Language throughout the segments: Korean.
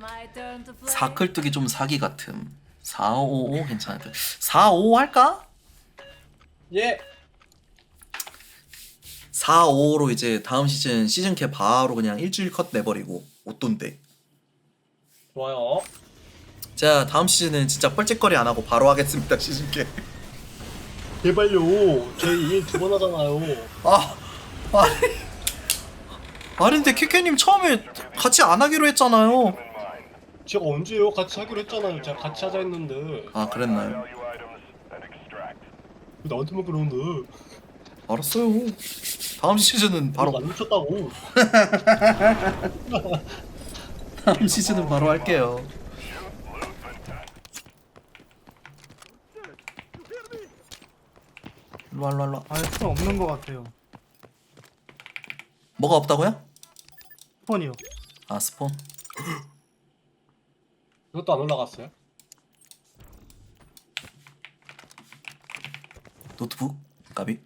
사클뚝이 좀 사기 같음. 455 괜찮을 듯. 455 할까? 예. 455로 이제 다음 시즌캡 바로 그냥 일주일 컷 내버리고 옷돈데. 좋아요. 자 다음 시즌은 진짜 뻘짓거리 안 하고 바로 하겠습니다 시즌캡. 제발요. 저희 일 2번 하잖아요. 아 아니 아니 근데 키케님 처음에 같이 안 하기로 했잖아요. 제가 언제요? 같이 하기로 했잖아요. 제가 같이 하자 했는데. 아 그랬나요? 왜 나한테만 그러는데? 알았어요. 다음 시즌은 바로 안 미쳤다고. 다음 시즌은 바로 할게요. 일로와 일로와 일로와. 아예 스폰 없는 것 같아요. 뭐가 없다고요? 스폰이요. 아 스폰. 이것도 안 올라갔어요? 노트북 까비.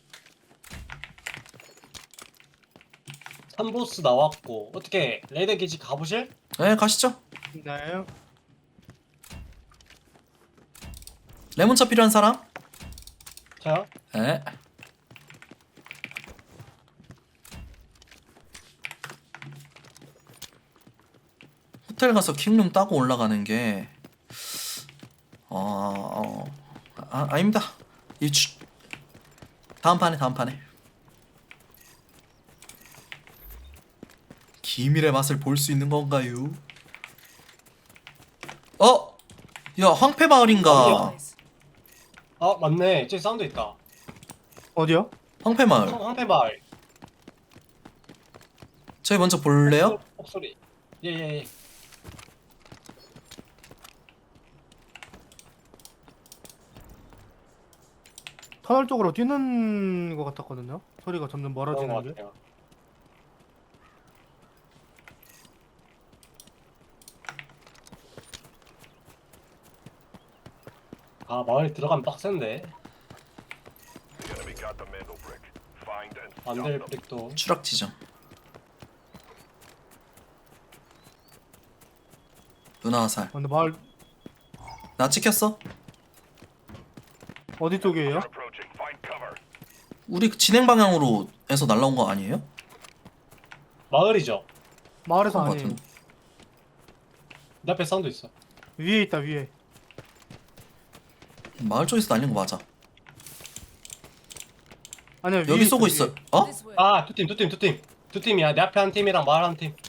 3보스 나왔고 어떻게 레드 기지 가보실? 네 가시죠. 네. 레몬차 필요한 사람? 저요? 네. 호텔 가서 킹룸 따고 올라가는 게 아닙니다. 다음 판에 기밀의 맛을 볼 수 있는 건가요? 야 황폐 마을인가? 아 맞네. 저기 사운드 있다. 어디요? 황폐 마을. 황폐마을. 저희 먼저 볼래요? 목소리. 예예예. 터널 쪽으로 뛰는 것 같았거든요. 소리가 점점 그런 것 멀어지는데. 같아요. 아 마을에 들어가면 빡센데. 안될 브릭도. 추락 지점. 누나 화살. 근데 마을 나 찍혔어? 어디 쪽이에요? 우리 진행 방향으로 해서 날라온 거 아니에요? 마을이죠. 마을에서 그런 거 아니에요. 같은데. 내 앞에 사운드 있어. 위에 있다 위에. 마을 쪽에서 날린 거 맞아. 아니야 위에 여기 쏘고 있어, 있어. 위에. 어? 아 두 팀이야. 내 앞에 한 팀이랑 마을 한 팀.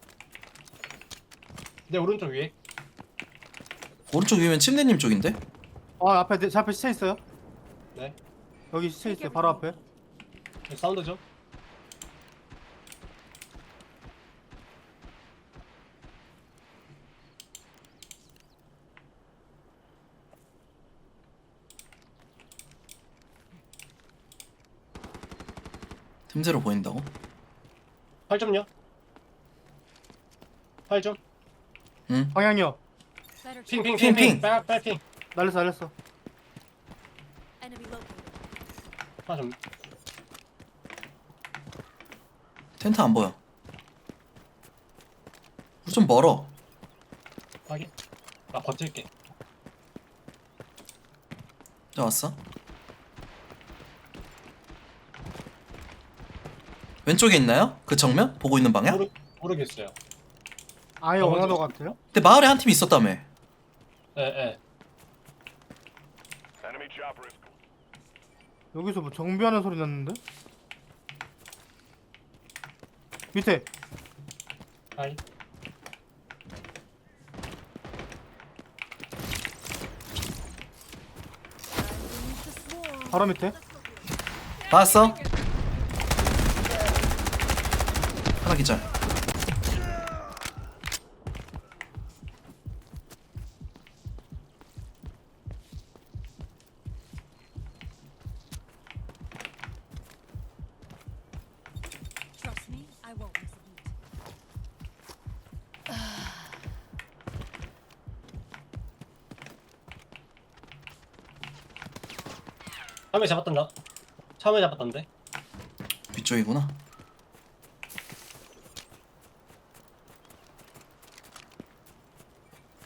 내 오른쪽 위에. 오른쪽 위면 침대님 쪽인데? 아 앞에 제 앞에 시체 있어요. 네. 여기 시체 있어요. 바로 앞에. 사운드죠. 틈새로 보인다고? 8점요. 8점. 응. 방향이요. 핑. 빨핑. 날렸어. 아 좀. 텐트 안 보여. 우리 좀 멀어. 확인. 나 버틸게. 저 왔어? 왼쪽에 있나요? 그 정면? 보고 있는 방향? 모르겠어요. 아예 아, 원하는 먼저. 것 같아요. 근데 마을에 한 팀 있었다며. 예. 여기서 뭐 정비하는 소리 났는데? 밑에 아이. 바로 밑에. 봤어? 하나 기절. Trust me, I won't miss a beat. 참외 잡았던가? 참외 잡았던데? 위쪽이구나.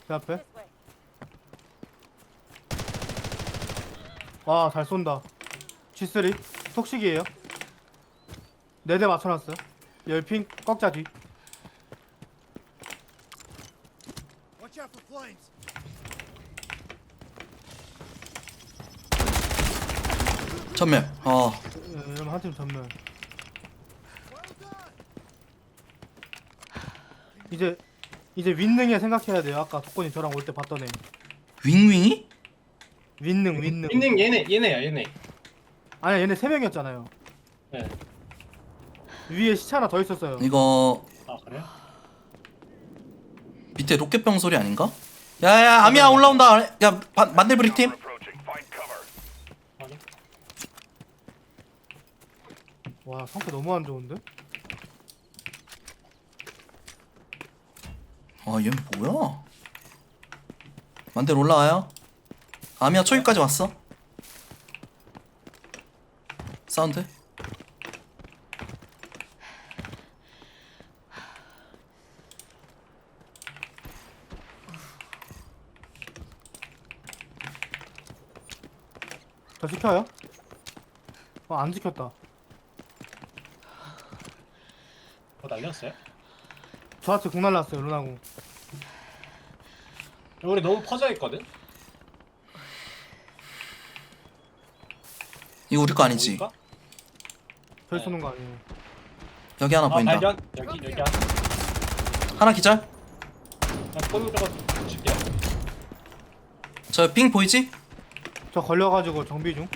제 앞에. 와, 잘 쏜다. G3 톡식이에요. 4대 맞춰놨어요. 열핑 꺾자 뒤. 전멸. 이러면 한 팀 전멸. 이제 윈능에 생각해야 돼요. 아까 독권이 저랑 올 때 봤던 애. 윙윙이? 윈능. 윈닝 얘네야 얘네. 아니야, 얘네 3명이었잖아요. 네. 위에 시체 하나 더 있었어요. 이거 아 그래요? 밑에 로켓병 소리 아닌가? 야야 아미야 올라온다. 야 만들브릭 팀. 확인. 와, 상태 너무 안 좋은데? 얘 뭐야? 만들 올라와요. 아미야 초입까지 왔어. 사운드. 저 지켜요? 안 지켰다. 날렸어요? 저한테 공 날랐어요, 루나공. 우리 너무 퍼져 있거든. 이거 우리 거 아니지? 보일까? 별 네. 쏘는 거 아니에요. 여기 하나 아 보인다. 발견. 여기 하나 기절. 폰저거 줄게요. 저 핑 보이지? 저 걸려가지고 정비 중.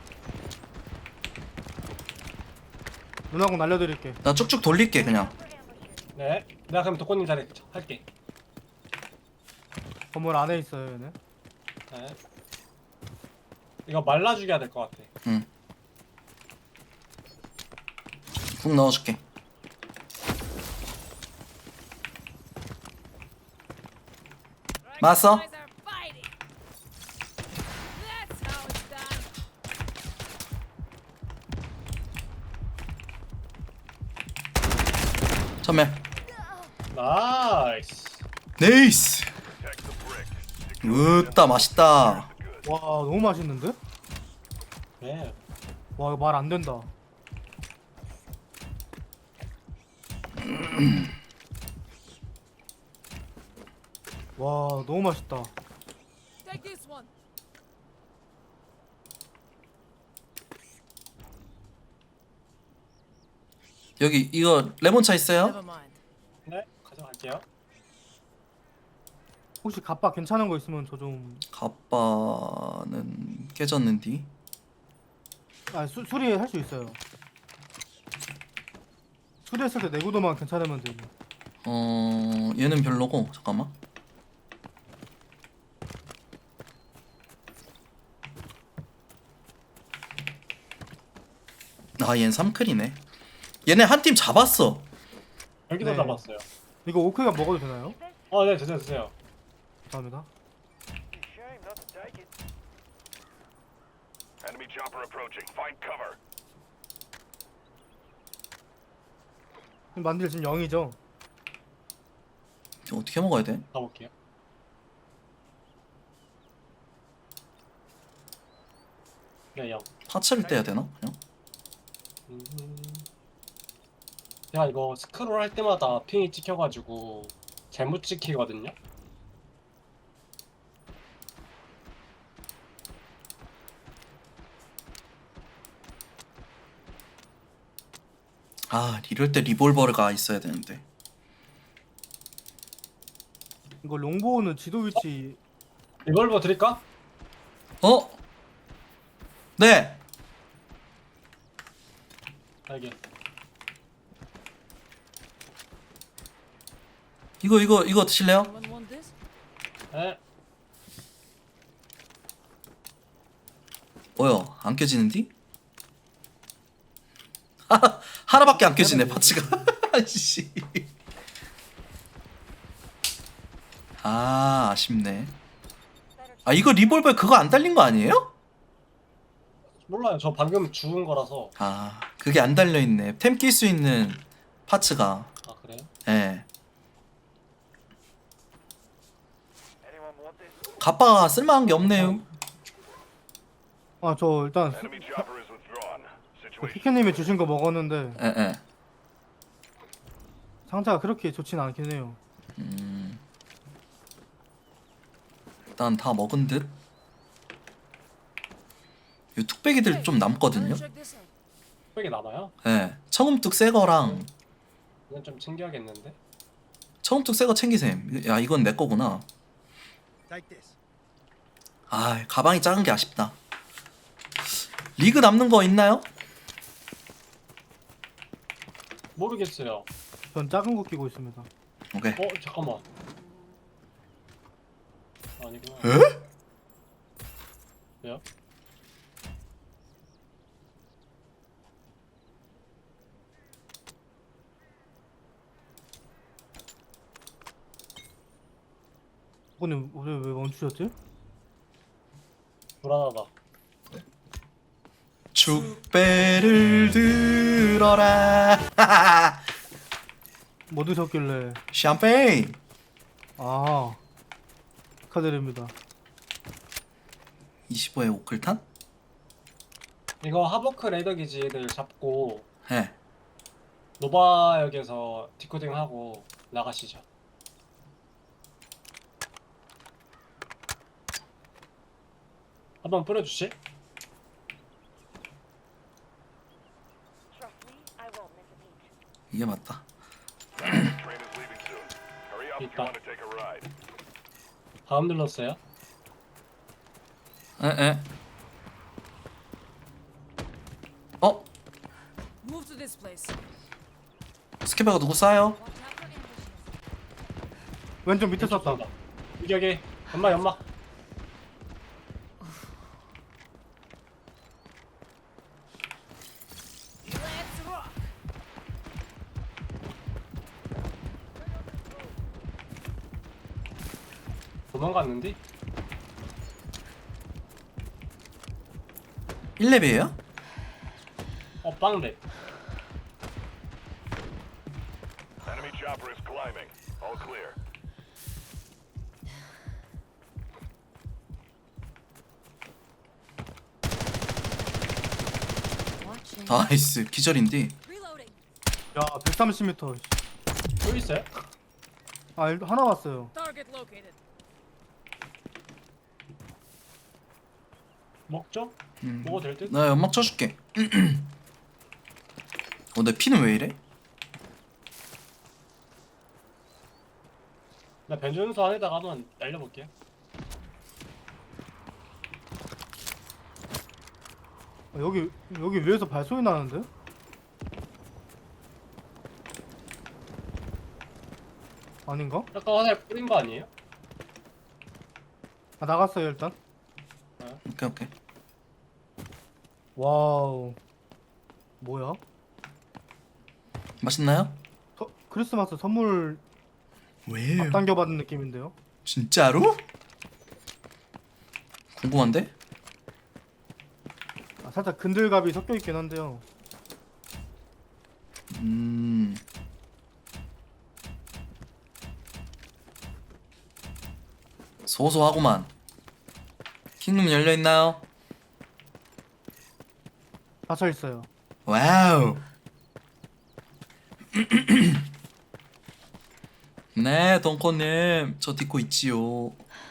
루나공 날려드릴게. 나 쭉쭉 돌릴게 그냥. 네. 내가 그럼 독고님 자리 할게. 건물 안에 있어요, 얘네. 네. 이거 말라 죽여야 될 것 같아. 응. 국 넣어줄게. 맞았어? Guys are fighting. That's how it's done. 전멸. 나이스. 네이스. 으따 맛있다. 와, 너무 맛있는데? 네. 와, 이거 말 안 된다. 와, 너무 맛있다. Take this one. 여기 이거 레몬차 있어요? Never mind. 네. 가져갈게요. 혹시 갑바 괜찮은 거 있으면 저 좀... 갑바는 깨졌는디. 수리할 수 있어요. 수리했을 때 내구도만 괜찮으면 되고. 얘는 별로고 잠깐만. 얘는 3클이네. 얘네 한 팀 잡았어. 여기도 네. 잡았어요. 이거 오크가 먹어도 되나요? 네, 드세요. 감사합니다. Enemy chopper approaching. Find cover. 만들 지금 0이죠? 이거 어떻게 먹어야 돼? 가볼게요. 네, 영. 파츠를 떼야 되나? 그냥? 제가 이거 스크롤 할 때마다 핑이 찍혀가지고 잘못 찍히거든요. 이럴 때 리볼버가 있어야 되는데. 이거 롱보우는 지도 위치 리볼버 드릴까? 네. 알게. 이거 드실래요? Anyone want this? 네. 뭐야? 안 껴지는디? 하나밖에 안 껴지네 파츠가. 씨. 아쉽네. 이거 리볼버에 그거 안 달린 거 아니에요? 몰라요. 저 방금 죽은 거라서. 그게 안 달려 있네. 템 낄 수 있는 파츠가. 아 그래요? 예. 가빠가 쓸만한 게 없네요. 아 저 일단 Enemy chopper is withdrawn. Situation 키케님이 주신 거 먹었는데 에. 상태가 그렇게 좋진 않긴 해요. 일단 다 먹은 듯. 이 뚝배기들 좀 남거든요. Check this out. 흑백이 남아요? 예. 청음뚝 새 거랑 이건 좀 챙겨야겠는데. 청음뚝 새 거 챙기셈. 야, 이건 내 거구나. 아, 가방이 작은 게 아쉽다. 리그 남는 거 있나요? 모르겠어요. 전 작은 거 끼고 있습니다. 오케이. 잠깐만. 아니구나. 에? 왜요? 오늘 왜 멈추셨지? 불안하다. 축배를 들어라. 뭐 드셨길래? 샴페인. 아 축하드립니다. 25에 오클탄? 이거 하버크 레이더 기지 애들 잡고 예. 노바역에서 디코딩 하고 나가시죠. 한번 뿌려주시? Trust me, I won't miss a beat. 이게 맞다. train is leaving soon. Hurry up if you 있다. want to take a ride. 다음 눌렀어요? 에. 어? Move to this place. 스케바가 누구 쏴요? Watch out for ambushes. 왼쪽 밑에 썼다. 여기 연막. Let's rock. 도망갔는데? 1렙이에요? 빵랩. Enemy chopper is climbing. All clear. Watching. 나이스. 기절인디. Reloading. 야 130m. 또 있어요? 아 하나 왔어요. Target located. 먹죠? 먹어도 될 듯? 나 연막 쳐줄게. 내 피는 왜 이래? 나 변전소 안에다가 한번 날려볼게요. 여기 위에서 발소리 나는데? 아닌가? 아까 화살 뿌린 거 아니에요? 아 나갔어요 일단. 오케이. 와우. 뭐야? 맛있나요? 크리스마스 선물 왜? 앞당겨 받은 느낌인데요? 진짜로? 궁금한데? 아, 살짝 근들갑이 섞여 있긴 한데요. 소소하구만. 킹룸 열려 있나요? 닫혀 있어요. 와우. 네, 덩커님, 저 듣고 있지요.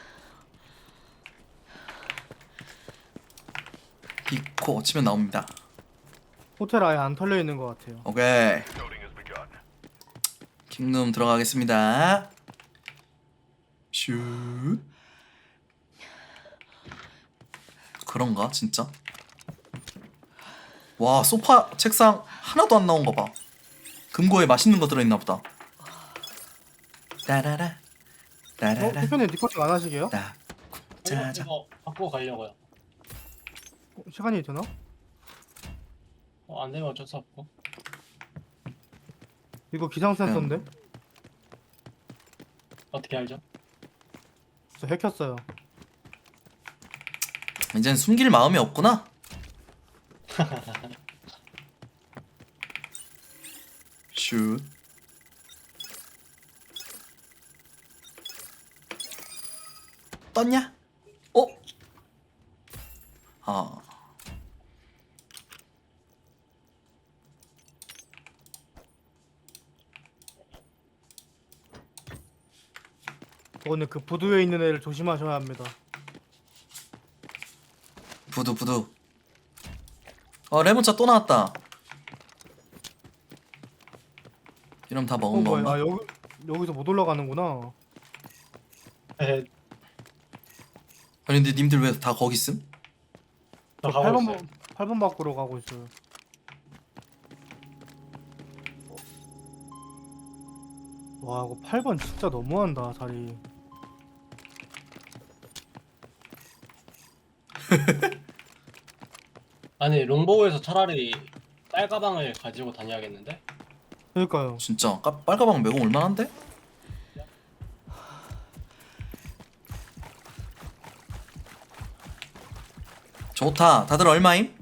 디코 치면 나옵니다. 호텔 아예 안 털려 있는 것 같아요. 오케이. Loading has begun. 킹룸 들어가겠습니다. 슛. 그런가 진짜? 와, 소파 책상 하나도 안 나온 거 봐. 금고에 맛있는 거 들어있나 보다. 따라라 따라라 대표님 디코팅 안 하시게요? 따 짜자. 이거 바꾸고 가려고요. 시간이 되나? 안 되면 어쩔 수 없고. 이거 기상 센서인데? 어떻게 알죠? 저 해켰어요. 이젠 숨길 마음이 없구나. 슛. 떴냐? 어? 아. 오늘 그 부두에 있는 애를 조심하셔야 합니다. 부두. 레몬차 또 나왔다. 이러면 다 먹은 뭐야? 건가? 아 여기서 못 올라가는구나. 에, 아니 근데 님들 왜 다 거기 있음? 저 저 가고 8번 있어요. 8번 밖으로 가고 있어요. 와 이거 8번 진짜 너무한다 자리. 아니 롱보우에서 차라리 빨가방을 가지고 다녀야겠는데? 그러니까요. 진짜 빨가방 매공 얼마나인데? 좋다. 다들 얼마임?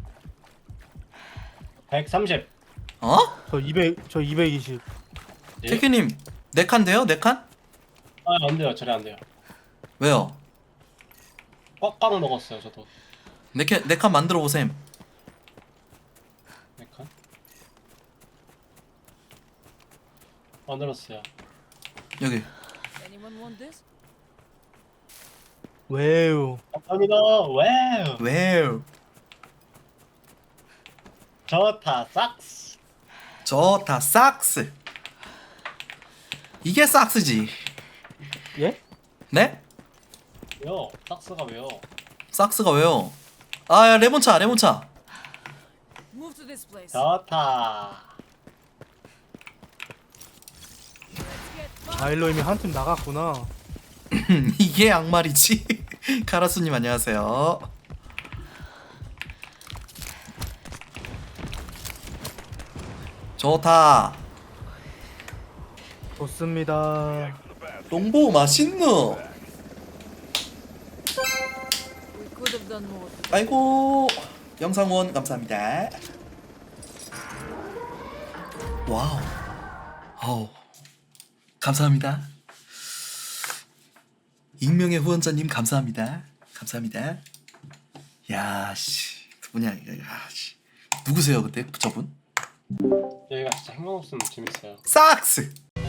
130. 어? 저 220. 예? 케케님 4칸 돼요? 4칸? 아, 안 돼요. 저래 안 돼요. 왜요? 꽉꽉 먹었어요, 저도. 4칸 만들어 보셈. 네 칸. 만들었어요. 여기. Anyone want this? 왜요? 감사합니다. 와우. 왜요? 좋다. 싹스. 좋다. 삭스. 이게 삭스지. 예? 네? 왜요? 싹스가 왜요? 삭스가 왜요? 아, 야, 레몬차. Move to this place. 좋다. Let's get 아일로 이미 한 팀 나갔구나. 이게 양말이지. 카라수님 안녕하세요. 좋다. 좋습니다. 롱보 맛있노. We could have done more. 아이고 영상 후원 감사합니다. 와우. 어우. 감사합니다. 익명의 후원자님 감사합니다. 감사합니다. 야 씨. 누구냐 이거. 야 씨. 누구세요 그때 저분? 여기가 진짜 행방 없으면 재밌어요. 삭스.